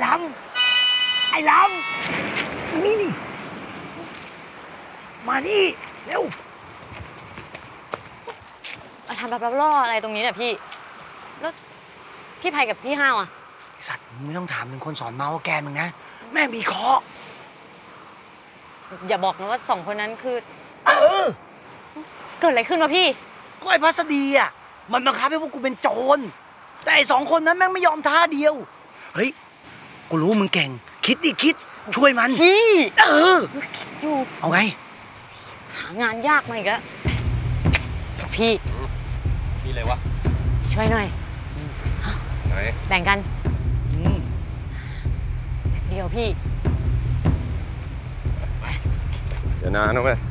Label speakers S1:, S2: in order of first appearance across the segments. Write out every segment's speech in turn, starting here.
S1: ลำนี่มานี่เร็ว
S2: ทำแบบล่ออะไรตรงนี้เนี่ยพี่แล้วพี่ไพกับพี่ห้าวอ่ะ
S1: สัตว์มึงไม่ต้องถามถึงคนสอนเมาว่าแกมึงนะแม่งมีเคราะห์
S2: อย่าบอกนะว่า2 คนนั้นคือ
S1: เ
S2: กิดอะไรขึ้นวะพี่
S1: ก็ไอ้พัสดีอ่ะมันบังคับให้พวกกูเป็นโจรแต่ไอ้2 คนนั้นแม่งไม่ยอมท่าเดียวเฮ้ยกูรู้มึงเก่งคิดช่วยมัน
S2: พี่
S1: อยู่เอาไง
S2: หางานยากมาอีกแล้วพี่
S3: มีอะไรวะ
S2: ช่วยหน่อย
S3: ไหน
S2: แบ่งกันเดียวพี่
S3: เดี๋ยวนานนะเว้ย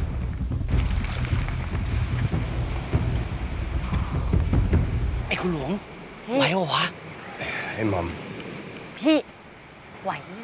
S1: ไอ้คุณหลวงไหวเหรอวะ
S3: ไอ้หม่อม
S2: พี่ไหวเนี่ย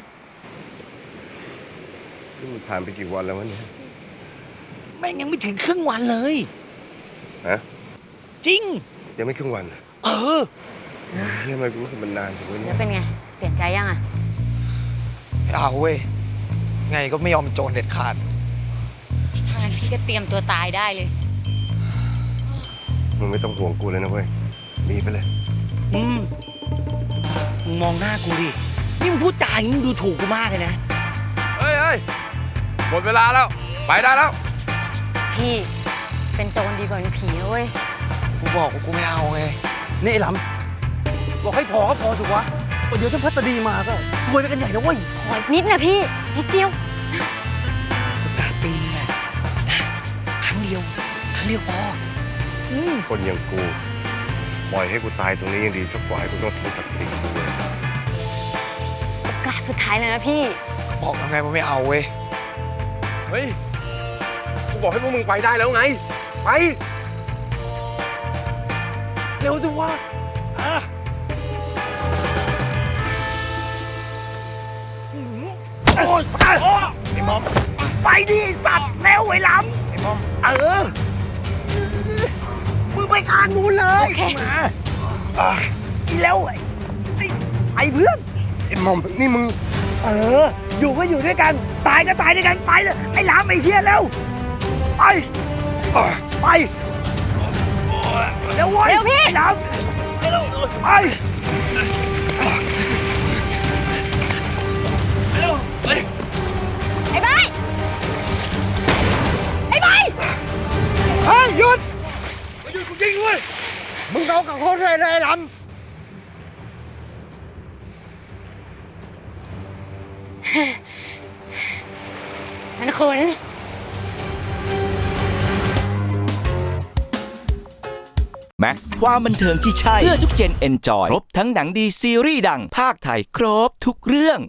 S3: นี่มันผ่านไปกี่วันแล้ววะเนี่ย
S1: แม่งยังไม่ถึงครึ่งวันเลย
S3: ฮะ
S1: จริง
S3: ยังไม่ครึ่งวันทำไมกูรู้สึกมันนานจังวะเนี่
S2: แล้วเป็นไงเปลี่ยนใจยังอ่ะ
S4: ไม่เอาเว้ยไงก็ไม่ยอมเป็นโจรเด็ดขาด
S2: ถ้างั้นพี่ก็เตรียมตัวตายได้เลย
S3: มึงไม่ต้องห่วงกูเลยนะเว้ยมีไปเลย
S1: มึงมองหน้ากูดินี่มึงพูดจาอย่างนี้มึงดูถูกกูมากเลยนะ
S3: เฮ้ยหมดเวลาแล้วไปได้แล้ว
S2: พี่เป็นโจรดีกว่าเป็นผีนะเว้ย
S4: กูบอกว่ากูไม่เอาไง
S1: นี่ไอ้หลำบอกให้พอก็พอสิวะเดี๋ยวถ้าพัสดีมาก็รวยไปกันใหญ่นะเว้ย
S2: ขอนิดนะพี่นิดเดียว
S1: โอกาสตีไงครั้งเดียวพอ
S3: คนอย่างกูปล่อยให้กูตายตรงนี้ยังดีสักกว่าให้กูต้องทิ้งศักดิ์ศรีกูเลย
S2: โอกาสสุดท้ายเลยนะพี่
S4: บอกแล้วไงว่าไม่เอาเว้ย
S3: เฮ้ยกูบอกให้พวกมึงไปได้แล้วไงไป
S1: เร็วสิวะโอ๊ยไอ้มอมไปดิสัตว์เร็วไอ้ลำไอ้มอมมึงไปทางนู้นเลยมาอีเร็วไอ้เพื่อน
S3: ไอ้มอมนี่มึง
S1: อยู่ก็อยู่ด้วยกันตายก็ตายด้วยกันไปเลยไอ้ลำไอ้เฮียเร็วไปเร็วเว้ย
S2: เร็วพี่
S1: ไอ้ลำไป
S2: ไอ้ใบ
S1: เฮ้ยหยุดกูจริงเว้ยมึงเอากับเขาเลยไอ้ลำ
S2: นั่นคุณ
S5: แม็กซ์ความบันเทิงที่ใช่เพื่อทุกเจนเอนจอยครบทั้งหนังดีซีรีส์ดังภาคไทยครบทุกเรื่อง